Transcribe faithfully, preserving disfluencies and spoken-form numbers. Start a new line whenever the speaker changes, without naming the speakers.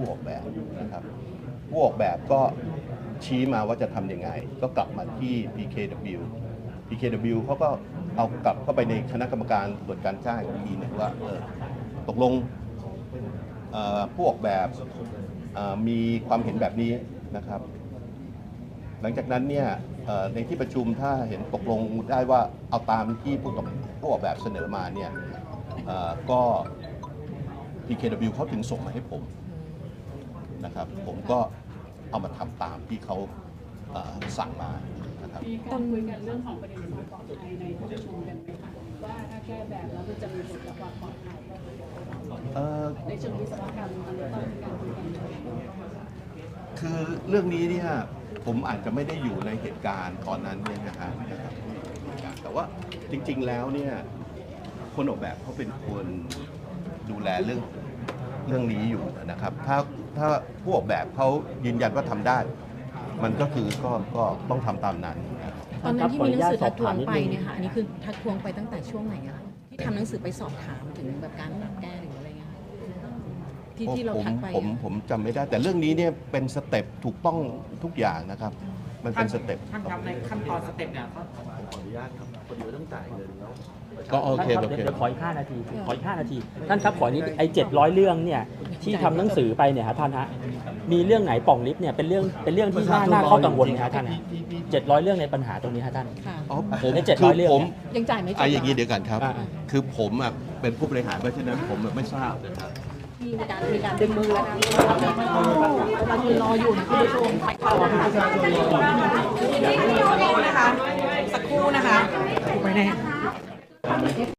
ผู้ออกแบบนะครับผู้ออกแบบก็ชี้มาว่าจะทำยังไงก็กลับมาที่ พี เค ดับเบิลยู พี เค ดับเบิลยู เขาก็เอากลับเข้าไปในคณะกรรมการตรวจการจ้างอีกทีหนึ่งว่าเออตกลงผู้ออกแบบมีความเห็นแบบนี้นะครับหลังจากนั้นเนี่ยในที่ประชุมถ้าเห็นตกลงได้ว่าเอาตามที่ผู้ผู้ออกแบบเสนอมาเนี่ยก็ พี เค ดับเบิลยู เขาถึงส่งมาให้ผมนะครับผมก็เอามาทำตามที่เขาสั่งมานะครับ
มีการคุยกันเรื่องของประเด็นความปลอดภัยในที่ประชุมกันไหมคะว่าถ้าแก้แบบแล้วมันจะมีผลต่อความปลอดภัยในเชิงวิศวกรรมมันต้องมีการคุยกัน
คือเรื่องนี้เนี่ยผมอาจจะไม่ได้อยู่ในเหตุการณ์ตอนนั้นเนี่ยนะฮะแต่ว่าจริงๆแล้วเนี่ยคนออกแบบเขาเป็นคนดูแลเรื่องเรื่องนี้อยู่นะครับถ้าถ้าผู้ออกแบบเขายืนยันว่าทำได้มันก็คือก็ก็ต้องทำตามนั้น
ตอนนั้นที่มีหนังสือทักท้วงไปเนี่ยค่ะอันนี้คือทักท้วงไปตั้งแต่ช่วงไหนอะที่ทำหนังสือไปสอบถามถึงแบบการปรับแก้หรืออะไรเงี้ยที่ที่เราทักไป
ผมผมจำไม่ได้แต่เรื่องนี้เนี่ยเป็นสเต็ปถูกต้องทุกอย่างนะครับมันเป็นสเต็ป
ท่านครับในขั้นตอนสเต็ปเนี่ยเขา
ขออนุญาตครับพอดีว่าต้องจ่ายเงินแล้ว
ก็โอเคโอเค
เดี๋ยวขออีกห้านาทีขออีกห้านาทีท่านครับขอนี้ไอ้เจ็ดร้อยเรื่องเนี่ยที่ทำหนังสือไปเนี่ยฮะท่านฮะมีเรื่องไหนป่องลิฟต์เนี่ยเป็นเรื่องเป็นเรื่องที่น่าน่าข้อกังวลนะฮะท่านเจ็ดร้อยเรื่องในปัญหาตรงนี้ฮะท่าน
อ๋อผม
เจ็ดร้อยเรื่อง
ยังจ่ายไม่จบ
ไอ้อย่างนี้เดี๋ยวกันครับคือผมอ่ะเป็นผู้บริหารเพราะฉะนั้นผมไม่ทราบนะครับ
มีการมีการดึงมือแล้วนะเรายืนรออยู่นะคุณผู้ชมไปเข้าค่ะสักครู่นะคะสักครู่นะคะไปไหน